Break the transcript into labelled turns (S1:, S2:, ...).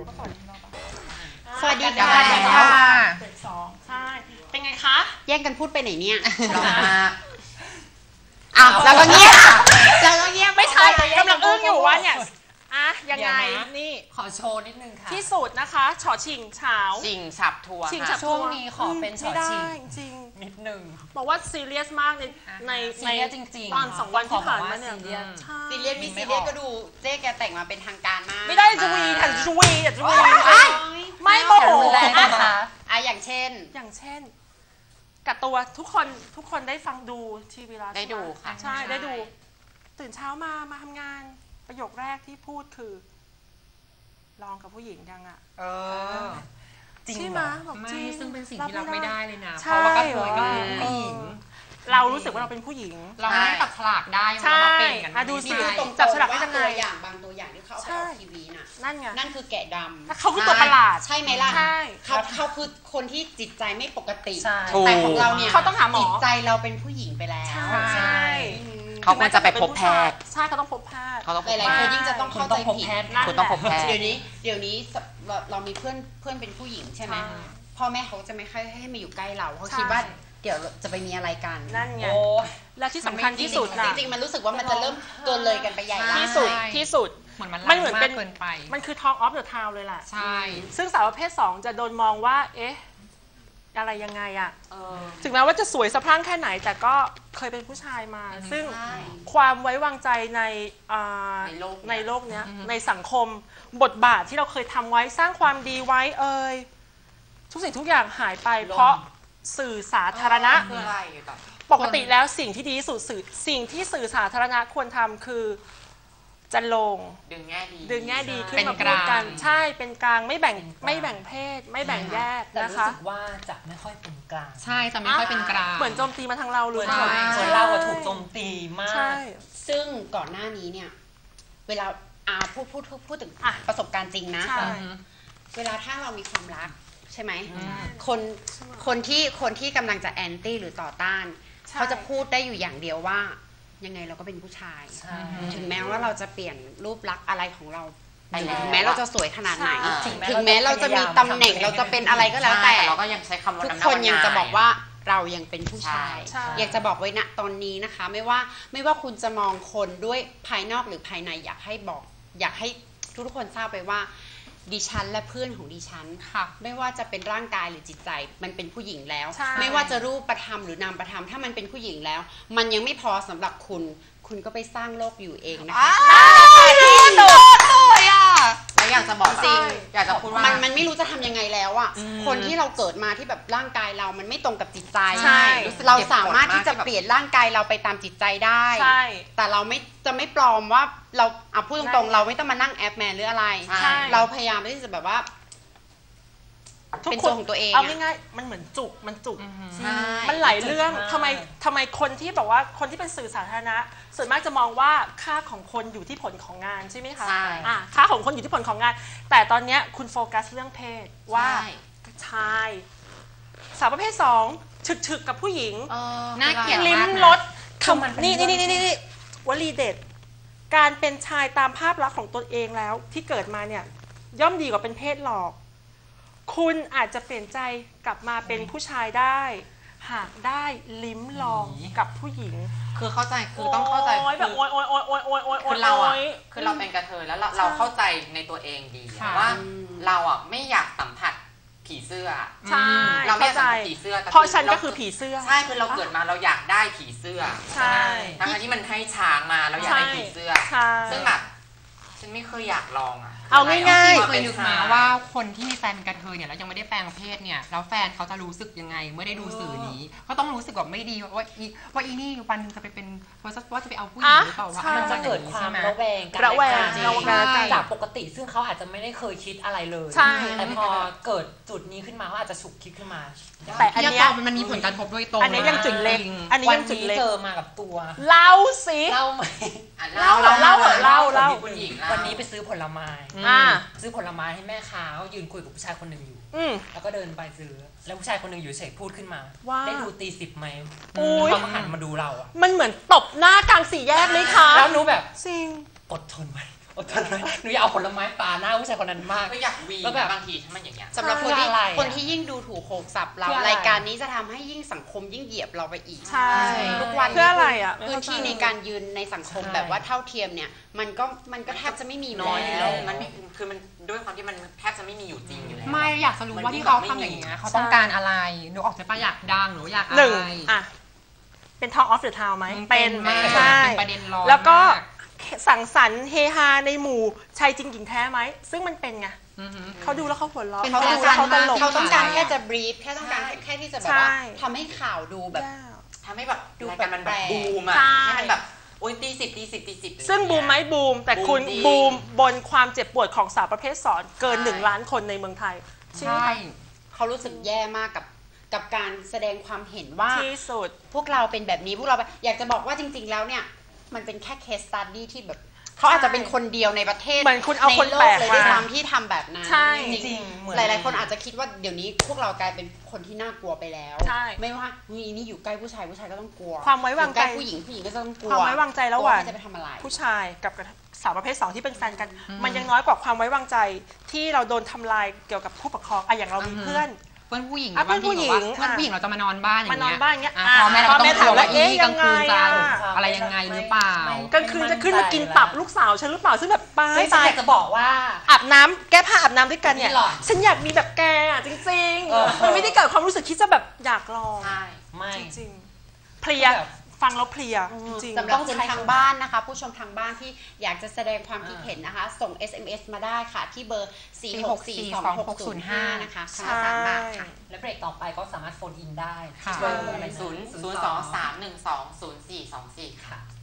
S1: ก็สวัสดีเราปะ
S2: สวัสดีค่ะ
S1: เด็กสองใช่เป็นไงคะ
S2: แย่งกันพูดไปไหนเนี่ยอ้าวแล้วก็เงียบ
S1: ไม่ใช่กำลังอึ้งอยู่ว่าเนี่ยอะยังไงนี่
S3: ขอโชว์นิดนึงค่ะ
S1: ที่สุดนะคะฉอชิงเฉา
S3: ชิงฉับทัวร์
S1: ชิงฉับ
S3: ช่วงนี้ขอเป็นฉอชิง
S1: ไม่ได้จริง
S3: นิดนึง
S1: บอกว่าซีเรียสมากใน
S3: ซีเรียสจริงๆ
S1: ตอน2 วันที่ผ่านมาเนี่ย
S3: ซีเรียส
S1: ใช่
S2: ซีเรียสมีซีเรียสก็ดูเจ๊แกแต่งมาเป็นทางการมาก
S1: ไม่ได้จะวีแต่จะวีแต่จะวีไม่โมโห
S3: แรงนะคะ
S2: อย่างเช่น
S1: อย่างเช่นกับตัวทุกคนได้ฟังดูทีวีแล้ว
S3: ได้ดูค่ะ
S1: ใช่ได้ดูตื่นเช้ามาทำงานประโยคแรกที่พูดคือลองกับผู้หญิงยังอ่ะ
S3: จริง
S1: ใช่
S3: เห
S1: ไห
S3: ร
S1: ม
S3: อ
S1: บอก
S4: ไม่
S1: จริง
S4: ซึ่งเป็นสิ่งที่รับไม่ได้เลยนะ
S1: ใช่
S4: เพราะว่ากระเทยก็คือผู้หญิง
S1: เรารู้สึกว่าเราเป็นผู้หญิง
S4: เราไม่ได้ตัดฉลากได้
S1: ใช่
S4: เรามาเป็นกัน
S1: อ่ะดูสิ
S2: นี่
S4: ไม่
S2: ดู
S4: ได้
S2: ตรง
S1: จับฉ
S2: ๆ
S1: ลาก
S2: ว่า
S1: ได้ยังไง
S2: ตัวอย่างบางตัวอย่างที่เขาเอาไปออกทีวีน่ะ
S1: นั่นไง
S2: นั่นคือแกะดำ
S1: เขาคือตัวประหลาด
S2: ใช่ไหมล่ะ
S1: ใช่
S2: เขาคือคนที่จิตใจไม่ปกติ
S3: ใช่
S2: แต่ของเราเนี่ย
S1: เขาต้องหาหมอ
S2: จิตใจเราเป็นผู้หญิงไปแล้ว
S1: ใช่
S3: เขาควรจะไปพบแพทย์
S1: ใช่เขาต้องพบแพทย์
S3: เขาต้อง
S2: หลายๆคนยิ่งจะต้องเข้าใจผิด
S3: คุณต้องพบแพทย์
S2: เดี๋ยวนี้เรามีเพื่อนเป็นผู้หญิงใช่ไหม
S1: ใช่
S2: พ่อแม่เขาจะไม่ค่อยให้มาอยู่ใกล้เราเขา
S1: ใช่
S2: คิดว่าเดี๋ยวจะไปมีอะไรกัน
S1: นั่นไง
S3: โอ้
S1: และที่สำคัญที่สุด
S2: จ
S1: นะ
S2: ริงๆมันรู้สึกว่ามันจะเริ่มตัวเลยกันไปใหญ่แล้ว
S1: ที่สุดที่สุด
S4: เหมือนมัน
S1: มันเหมือนเป็น
S4: เกินไป
S1: มันคือ Talk of the Town เลยแหละ
S4: ใช่
S1: ซึ่งสาวประเภท 2 จะโดนมองว่า เอ๊ะ อะไรยังไงอะถึงแม้ว่าจะสวยสะพรั่งแค่ไหน แต่ก็เคยเป็นผู้ชายมา ซึ่ง
S2: ใช่
S1: ความไว้วางใจใน
S2: ในโลก
S1: เนี้ยในสังคมบทบาทที่เราเคยทำไว้สร้างความดีไว้ทุกสิ่งทุกอย่างหายไป เพราะสื่อสาธารณะ
S3: คืออะไรแบบ
S1: ปกติแล้วสิ่งที่ดีที่สุดสิ่งที่สื่อสาธารณะควรทำคือจะลง
S3: ดึงแง่ดี
S1: ดึงแง่ดีขึ้น
S4: เป็น
S1: มาพู
S4: กลา
S1: ด
S4: ง
S1: กันใช่เป็นกลางไม่แบ่งเพศ ไม่แบ่งแยก
S5: แต่
S1: นะ
S5: รู้
S1: คะ
S5: สึกว่าจะไม่ค่อยเป็นกลาง
S4: ใช่จะไม่ค่อยเป็นกลาง
S1: เหมือนโจมตีมาทางเราเลย
S4: ใช่
S5: เหมือนเราอะถูกโจมตีมา
S1: ใช่
S5: ก
S2: ซึ่งก่อนหน้านี้เนี่ยเวลาพูดถึง
S1: อ่ะ
S2: ประสบการณ์จริงนะ
S1: ใช่
S2: เวลาถ้าเรามีความรักใช่ไหมคนที่กำลังจะแอนตี้หรือต่อต้าน
S1: ใช่
S2: เขาจะพูดได้อยู่อย่างเดียวว่า ยังไงเราก็เป็นผู้ชาย
S5: ใช่
S2: ถึงแม้ว่าเราจะเปลี่ยนรูปลักษณ์อะไรของเรา
S3: ไปแล้ว
S2: ถึงแม้เราจะสวยขนาดไหน
S1: ใช่
S2: ถึงแม้เราจะมีตำแหน่งเราจะเป็นอะไรก็แล้วแต่
S3: เราก็ยังใช้คำว่า
S2: ทุก
S3: ำหา
S2: คนยังจะ
S3: วั
S2: บอกว่าเรายังเป็นผู้ชาย
S1: ใช่
S2: อยากจะบอกไว้ณตอนนี้นะคะ ไม่ว่าคุณจะมองคนด้วยภายนอกหรือภายในอยากให้ทุกคนทราบไปว่าดิฉันและเพื่อนของดิฉัน
S4: ค่ะ
S2: ไม่ว่าจะเป็นร่างกายหรือจิตใจมันเป็นผู้หญิงแล้ว
S1: ใช่
S2: ไม่ว่าจะรูปประธรรมหรือนามประธรรมถ้ามันเป็นผู้หญิงแล้ว มันยังไม่พอสำหรับคุณก็ไปสร้างโลกอยู่เองนะคะ
S3: แล้วอยากจะบอกจริงอยากจะพูดว่า
S2: มันไม่รู้จะทำยังไงแล้วอ่ะคนที่เราเกิดมาที่แบบร่างกายเรามันไม่ตรงกับจิตใจ
S1: ใช่
S2: เราสามารถที่จะเปลี่ยนร่างกายเราไปตามจิตใจได้
S1: ใช่
S2: แต่เราจะไม่ปลอมว่าเราพูดตรงๆเราไม่ต้องมานั่งแอปแมนหรืออะไร
S3: ใช่
S2: เราพยายามที่จะแบบว่า เป็นตัวของตัวเอง
S1: เอา
S2: อะ
S1: ง่ายๆมันเหมือนจุกมันจุก
S3: ใช่
S1: มันหลายเรื่องทำไมคนที่แบบว่าคนที่เป็นสื่อสาธารณะ ส่วนมากจะมองว่าค่าของคนอยู่ที่ผลของงานใช่ไหมคะ
S3: ใช่
S1: ค่าของคนอยู่ที่ผลของงาน แต่ตอนเนี้ยคุณโฟกัสเรื่องเพศว่า
S3: ใช่
S1: ชายสาวประเภท2ฉึกๆกับผู้หญิง
S4: น่าเกลียด
S1: ลิ้ม
S4: มากนะ
S1: รส
S5: คือมันเป็น
S1: นี่
S5: เรื่อง
S1: วลีเด็ด การเป็นชายตามภาพลักษณ์ของตนเองแล้วที่เกิดมาเนี่ยย่อมดีกว่าเป็นเพศหลอก คุณอาจจะเปลี่ยนใจกลับมาเป็นผู้ชายได้ หากได้ลิ้มลองกับผู้หญิง
S4: คือเข้าใจคือต้องเข้าใจ
S1: โอ๊ยแบบโอ๊ยโอ๊ยโอ๊ยโอ๊ยโอ๊ยโอ๊ยโอ๊
S3: คื
S1: ย
S3: อเราอ่ะ
S1: โอ๊ย
S3: คือเราเป็นกระเทยแล้วเราเข้าใจในตัวเองดีอะ
S4: ค่ะ
S3: ว่าเราอ่ะไม่อยากสัมผัสผีเสื้อ
S1: ใช่
S3: เราไม่อาก
S1: เข้ายใจ
S3: สัมผัสผีเสื้อแต่
S1: เพราะฉันก็คือผีเสื้อ
S3: ใช่คือเราเกิดมาเราอยากได้ผีเสื้อ
S1: ใช่
S3: ทั้งที่มันให้ช้างมาเราอยากได้ผีเสื้อ
S1: ใช่
S3: ซึ่งแบบฉันไม่เคยอยากลองอ่ะ
S1: เอาง่ายๆ
S4: เคยนึกมาว่าคนที่มีแฟนเป็นกระเทยเนี่ยแล้วยังไม่ได้แปลงเพศเนี่ยแล้วแฟนเขาจะรู้สึกยังไงเมื่อได้ดูสื่อนี้ก็ต้องรู้สึกแบบไม่ดีว่าอีนี่วันหนึงจะไปเป็นว่าจะไปเอาผู้หญิงหรือเปล่าวะ
S1: ใช่
S5: มันจะเกิดความระแวงกัน
S1: ระแวง
S5: และกัน
S1: ระแวง
S5: จากปกติซึ่งเขาอาจจะไม่ได้เคยคิดอะไรเลย
S1: ใช่
S5: แต่พอเกิดจุดนี้ขึ้นมาเขาอาจจะฉุกคิดขึ้นมา
S1: แต่อัน
S4: ที่
S1: เนี้ย
S4: มันมีผลกระทบโดยตรง
S1: อันนี้ยังจุดเล็ก
S4: จริง
S1: อันนี้
S5: วั
S1: ยั
S5: น
S1: งจุด
S5: นี้
S1: เล็ก
S5: เจอมากับตัว
S1: เล่าสิ
S5: เล่าไหม
S3: อ่ะ
S1: เล่าเหรอเล่าเหรอเล่า
S3: คุณหญิง
S5: วันนี้ไปซื้อผลไม้
S1: อ่า
S5: ซื้อผลไม้ให้แม่ค้าเขายืนคุยกับผู้ชายคนหนึ่งอยู่
S1: อืม
S5: แล้วก็เดินไปซื้อ แล้วผู้ชายคนหนึ่งอยู่เฉยพูดขึ้นมา
S1: ว่า
S5: ได้ดูตี10ไหม
S1: อุ๊ย
S5: เขาก็หันมาดูเราอะ
S1: มันเหมือนตบหน้ากลางสี่แยกเลยค่ะ
S5: แล้วหนูแบบ
S1: จริง
S5: อดทนไว้อดทนไว้หนูอยากเอาผลไม้ปาหน้าผู้ชายคนนั้นมาก
S3: ก็อยากวี
S5: แล้วแบบ
S3: บางทีถ้ามันอย่างเงี้ย
S2: สำหรับคนที่
S5: คืออะไรอะ
S2: คนที่ยิ่งดูถูกโขกสับเรา
S5: คืออะไร
S2: รายการนี้จะทำให้ยิ่งสังคมยิ่งเหยียบเราไปอีก
S1: ใช่
S2: ทุกวัน
S1: เพื่ออะไรอ่ะ
S2: พื้นที่ในการยืนในสังคม
S5: ใช่
S2: แบบว่าเท่าเทียมเนี่ยมันก็แทบจะไม่มี
S3: น้อยอยู่
S2: แล้
S3: แล้ว วมันไม่คือมันด้วยความที่มันแทบจะไม่มีอยู่จริงอยู่แล้ว
S4: ไม่อยากจะรู้ว่าที่เขาทำอย่างเงี้ยเขาต้องการอะไรหนูออกจากปะอยากดังหรืออยากอะ
S1: หนึ่ง
S4: ไร
S1: อ่ะเป็น Talk of the Town ไหม
S4: เป็นมาก
S1: ใช่
S4: เป็นประเด็นร้อน
S1: แล้วก็
S4: มาก
S1: สังสรรค์เฮฮาในหมู่ชายจริงหญิงแท้ไหมซึ่งมันเป็นไง
S4: อือหือ
S1: เขาดูแล้วเขาหัวเราะ
S4: เป็น
S1: เขา
S4: แฟ
S1: ดู
S4: ชั่
S1: แล้ว
S4: น
S1: เขาตลก
S2: เขาต้องการ
S4: ใช่
S2: แค่จะบรีฟแค่ต้องการ
S3: ใช่
S2: แค่ที่จะแบบว่า
S1: ใช่
S2: ทำให้ข่าวดูแบบ
S3: ทำให้แบบรายการมันแบบ
S2: แปลกๆ
S3: บูมอะ
S1: ใช่
S3: ให้มันแบบโอ้ยตีสิบ
S1: ซึ่งบูมไหมบูม แต่คุณ
S3: บูมจริง
S1: บูมบนความเจ็บปวดของสาวประเภทสองเกิน
S3: ใช่
S1: 1 ล้านคนในเมืองไทย
S4: ใช่
S2: เขารู้สึกแย่มากกับการแสดงความเห็นว่า
S1: ที่สุด
S2: พวกเราเป็นแบบนี้พวกเราอยากจะบอกว่าจริง ๆ แล้วเนี่ยมันเป็นแค่ case study ที่แบบเขาอาจจะเป็นคนเดียวในประเทศ
S1: เหมือนคุณเอาคน
S2: ในโล
S1: แปล
S2: ก
S1: ก
S2: เลย
S1: มา
S2: ด้วยซ้ำที่ทำแบบนั้น
S1: ใช่
S2: จริง
S5: จริงเหมือน
S2: หลายๆคนอาจจะคิดว่าเดี๋ยวนี้พวกเรากลายเป็นคนที่น่ากลัวไปแล้ว
S1: ใช่
S2: ไม่ว่านี่อยู่ใกล้ผู้ชายก็ต้องกลัว
S1: ความไว้วางใจ
S2: อยู่ใกล้ผู้หญิงก็ต้องกลัว
S1: ความไว้วางใจระหว่าง
S2: กใคจะไปทำอะไร
S1: ผู้ชายกับสาวประเภท 2 ที่เป็นแฟนกัน มันยังน้อยกว่าความไว้วางใจที่เราโดนทำลายเกี่ยวกับผู้ปกครองอะอย่างเรามีเพื่อน
S4: เพื่อนผู้หญิง
S1: อ่ะเพื่อนผู้หญิง
S4: เพื่อนผู้หญิงเราจะมานอนบ้านอย่าง
S1: มานอน
S4: เงี้ย
S1: บ้านอย่างเงี้ย
S4: อ่ะ
S1: อ่ะ
S4: พ่อแม่เราก็ต้อง
S1: พ่อแม่ถามว่า
S4: กลัว
S1: เอ๊ะ
S4: กลางคืนจะ
S1: ยังไงอะ
S4: อะไรยังไงหรือเปล่า
S1: กลางคืนจะขึ้นมากินตับลูกสาวฉันหรือเปล่าซึ่งแบบป้า
S5: เฮ้ยฉัน
S1: ตาย
S5: อยากจะบอกว่า
S1: อาบน้ำแก้ผ้าอาบน้ำด้วยกันเนี่ย
S5: นี่หรอ
S1: ฉันอยากมีแบบแกอะจริง
S5: เออ
S1: ๆมันไม่ได้เกิดความรู้สึกที่จะแบบอยากลอง
S3: ใช่
S5: ไม่
S1: จริงๆเพลีย
S5: แบบ
S1: ฟังแล้วเพลียจริง
S2: สำหรับคนทางบ้านนะคะ ผู้ชมทางบ้านที่อยากจะแสดงความคิดเห็นนะคะ ส่ง SMS มาได้ค่ะ ที่เบอร์ 4642605 นะคะครั้งละ3 บาทค่ะ
S5: และเบรกต่อไปก็สามารถโฟนอินได้
S4: ค่ะ
S5: เบอร์อะไร
S3: 0 2 3 1 2 0 4 2 4 ค่ะ